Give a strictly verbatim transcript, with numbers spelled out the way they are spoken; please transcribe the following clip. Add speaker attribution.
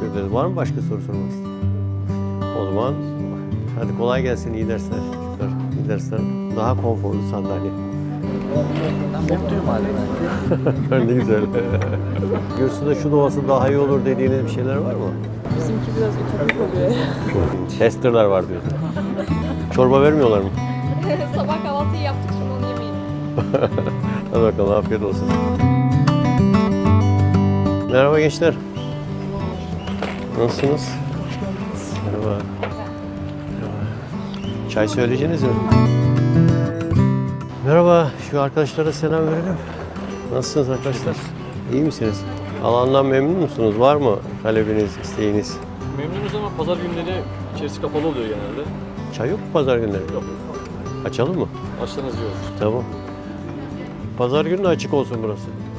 Speaker 1: teşekkür ederiz. Var mı başka soru sormak isteyen? O zaman hadi kolay gelsin, iyi dersler çocuklar. İyi dersler. Daha konforlu sandalye.
Speaker 2: Mutluyum hala.
Speaker 1: Ne güzel. Gürsü'de şu doğası daha iyi olur dediğiniz bir şeyler var mı?
Speaker 3: Bizimki biraz ütopik oluyor.
Speaker 1: Testerler var diyorsun. Çorba vermiyorlar mı?
Speaker 3: Sabah kahvaltıyı yaptık, şimdi onu yemeyin.
Speaker 1: Hadi bakalım, afiyet olsun. Merhaba gençler. Nasılsınız? Merhaba. Merhaba. Çay söyleyeceğiniz mi? Merhaba, şu arkadaşlara selam verelim. Nasılsınız arkadaşlar? İyi misiniz? Alandan memnun musunuz? Var mı talebiniz, isteğiniz?
Speaker 2: Memnunuz ama pazar günleri içerisi kapalı oluyor genelde.
Speaker 1: Çay yok mu pazar günleri?
Speaker 2: Yok.
Speaker 1: Açalım mı?
Speaker 2: Açlarınız iyi olur.
Speaker 1: Tamam. Pazar günü de açık olsun burası.